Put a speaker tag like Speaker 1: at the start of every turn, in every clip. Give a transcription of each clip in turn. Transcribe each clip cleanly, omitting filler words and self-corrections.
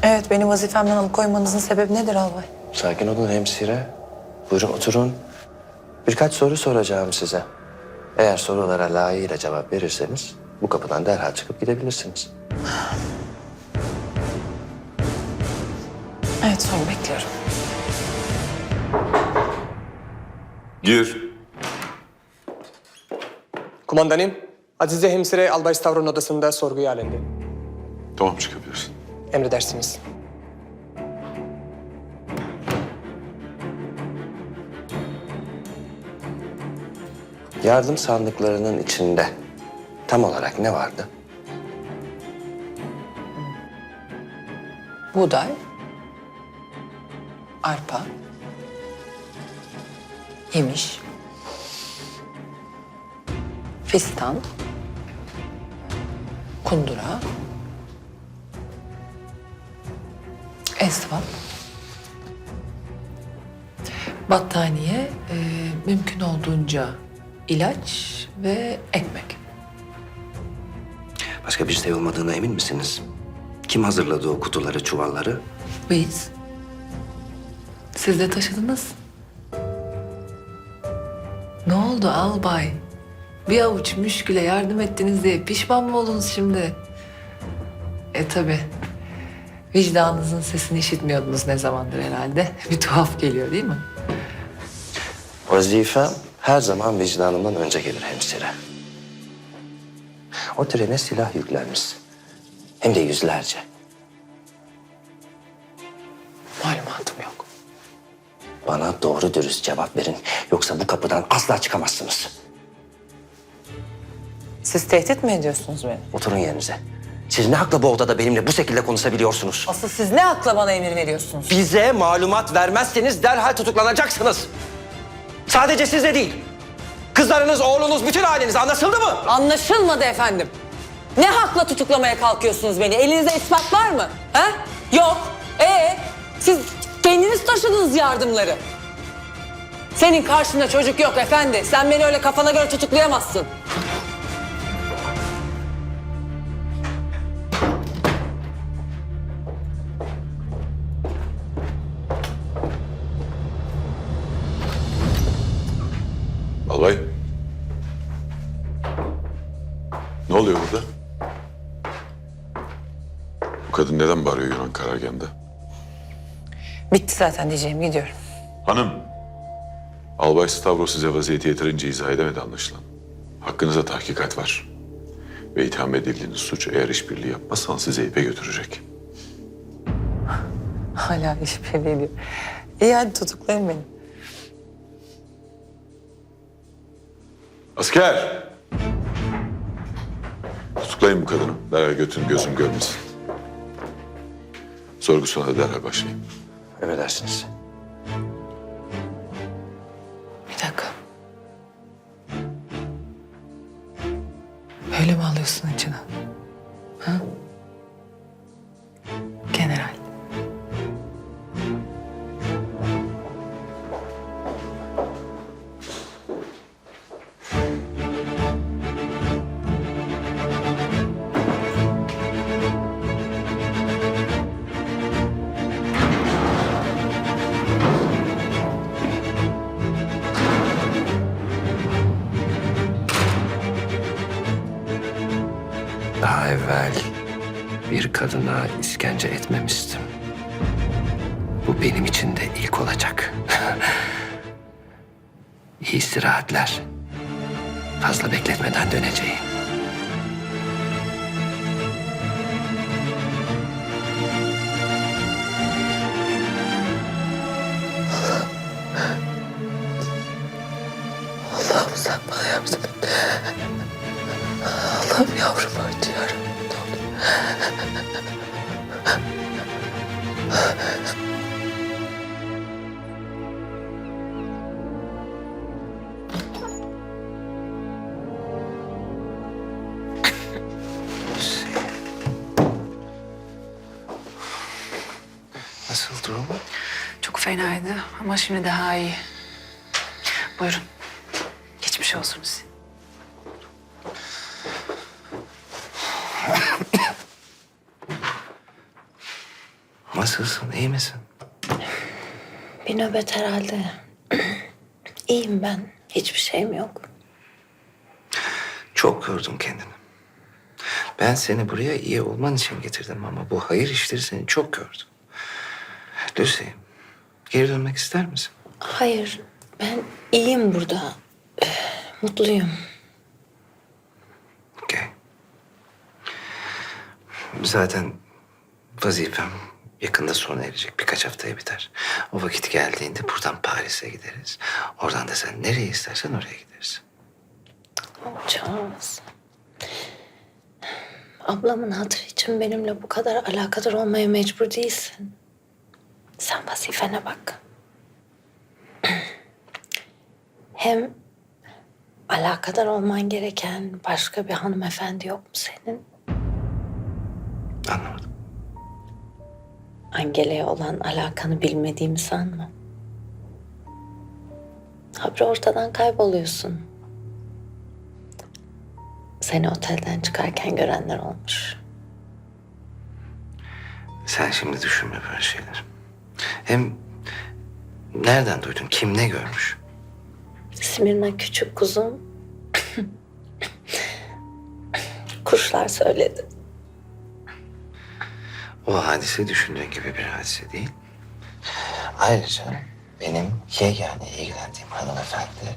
Speaker 1: Evet, beni vazifemden alıkoymanızın sebebi nedir albay?
Speaker 2: Sakin olun hemşire. Buyurun oturun. Birkaç soru soracağım size. Eğer sorulara layığıyla cevap verirseniz bu kapıdan derhal çıkıp gidebilirsiniz.
Speaker 1: Evet, soru bekliyorum.
Speaker 3: Gir.
Speaker 4: Kumandanım, Azize Hemşire Albay Stavro'nun odasında sorguya alındı.
Speaker 3: Tamam, çıkabilirsin.
Speaker 4: Emredersiniz.
Speaker 2: Yardım sandıklarının içinde tam olarak ne vardı?
Speaker 1: Buğday, arpa, yemiş, fistan, kundura, esvap, battaniye, mümkün olduğunca ilaç ve ekmek.
Speaker 2: Başka bir şey olmadığına emin misiniz? Kim hazırladı o kutuları, çuvalları?
Speaker 1: Biz. Siz de taşıdınız. Ne oldu albay? Bir avuç müşküle yardım ettiniz diye pişman mı oldunuz şimdi? Tabii. Vicdanınızın sesini işitmiyordunuz ne zamandır herhalde. Bir tuhaf geliyor değil mi?
Speaker 2: Vazifem her zaman vicdanımdan önce gelir hemşire. O trene silah yüklenmiş. Hem de yüzlerce.
Speaker 1: Malumatım yok.
Speaker 2: Bana doğru dürüst cevap verin. Yoksa bu kapıdan asla çıkamazsınız.
Speaker 1: Siz tehdit mi ediyorsunuz beni?
Speaker 2: Oturun yerinize. Siz ne hakla bu odada benimle bu şekilde konuşabiliyorsunuz?
Speaker 1: Asıl siz ne akla bana emir veriyorsunuz?
Speaker 2: Bize malumat vermezseniz derhal tutuklanacaksınız. Sadece siz de değil. Kızlarınız, oğlunuz, bütün aileniz, anlaşıldı mı?
Speaker 1: Anlaşılmadı efendim. Ne hakla tutuklamaya kalkıyorsunuz beni? Elinizde ispat var mı? Ha? Yok. Siz kendiniz taşıdınız yardımları. Senin karşında çocuk yok efendi. Sen beni öyle kafana göre tutuklayamazsın.
Speaker 3: Albay. Ne oluyor burada? Bu kadın neden bağırıyor Yunan karargahında?
Speaker 1: Bitti zaten diyeceğim, gidiyorum.
Speaker 3: Hanım. Albay Stavros size vaziyeti yeterince izah edemedi anlaşılan. Hakkınızda tahkikat var. Ve itham edildiğiniz suç eğer işbirliği yapmazsanız sizi ipe götürecek.
Speaker 1: Hala işbirliği diyor. İyi hadi tutuklayın beni.
Speaker 3: Asker! Tutuklayın bu kadını. Derhal götürün, gözüm görmesin. Sorgusuna da derhal başlayın.
Speaker 2: Emredersiniz.
Speaker 1: Bir dakika. Öyle mi alıyorsun içine? Ha? General.
Speaker 2: Daha evvel bir kadına işkence etmemiştim. Bu benim için de ilk olacak. İyi istirahatler. Fazla bekletmeden döneceğim.
Speaker 1: Allah'ım sen bana yardım et. Allah'ım yavrumu acıyorum.
Speaker 2: Nasıl durum?
Speaker 5: Çok fenaydı ama şimdi daha iyi. Buyurun. Geçmiş olsun size.
Speaker 2: Nasılsın, iyi misin?
Speaker 6: Bir nöbet herhalde. İyiyim ben. Hiçbir şeyim yok.
Speaker 2: Çok yordun kendini. Ben seni buraya iyi olman için getirdim ama bu hayır işleri seni çok yordu. Lucy, geri dönmek ister misin?
Speaker 6: Hayır, ben iyiyim burada. Mutluyum.
Speaker 2: Okey. Zaten vazifem yakında sona erecek. Birkaç haftaya biter. O vakit geldiğinde buradan Paris'e gideriz. Oradan da sen nereye istersen oraya gideriz.
Speaker 6: Charles. Ablamın hatırı için benimle bu kadar alakadar olmaya mecbur değilsin. Sen vazifene bak. Hem alakadar olman gereken başka bir hanımefendi yok mu senin?
Speaker 2: Anlamadım.
Speaker 6: Angela'ya olan alakanı bilmediğimi sanma. Habire ortadan kayboluyorsun. Seni otelden çıkarken görenler olmuş.
Speaker 2: Sen şimdi düşünme böyle şeyler. Hem nereden duydun? Kim ne görmüş?
Speaker 6: Smirna küçük kuzum. Kuşlar söyledi.
Speaker 2: O hadise düşündüğün gibi bir hadise değil. Ayrıca benim yegane ilgilendiğim hanımefendi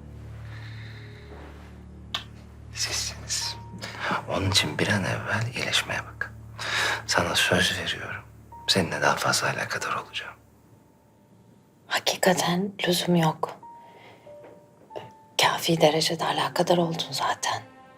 Speaker 2: sizsiniz. Onun için bir an evvel iyileşmeye bak. Sana söz veriyorum. Seninle daha fazla alakadar olacağım.
Speaker 6: Hakikaten lüzum yok. Kafi derecede alakadar oldun zaten.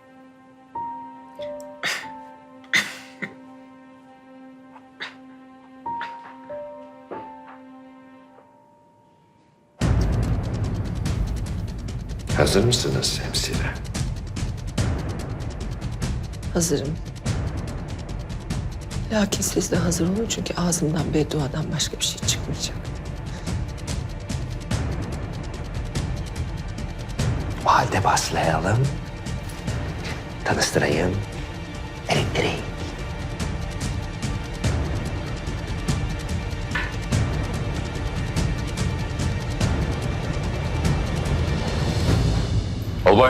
Speaker 2: Hazır mısınız hemşire?
Speaker 7: Hazırım. Lakin siz de hazır olun çünkü ağzımdan bedduadan başka bir şey çıkmayacak.
Speaker 2: O halde başlayalım. Tanıştırayım. Elektrik.
Speaker 3: Albay.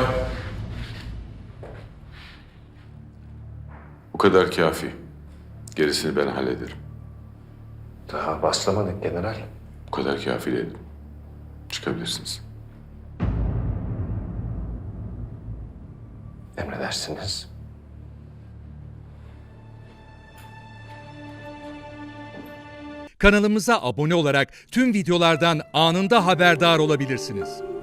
Speaker 3: Bu kadar kafi. Gerisini ben hallederim.
Speaker 2: Daha başlamadık general.
Speaker 3: Bu kadar kafi dedim. Çıkabilirsiniz.
Speaker 2: Emredersiniz.
Speaker 8: Kanalımıza abone olarak tüm videolardan anında haberdar olabilirsiniz.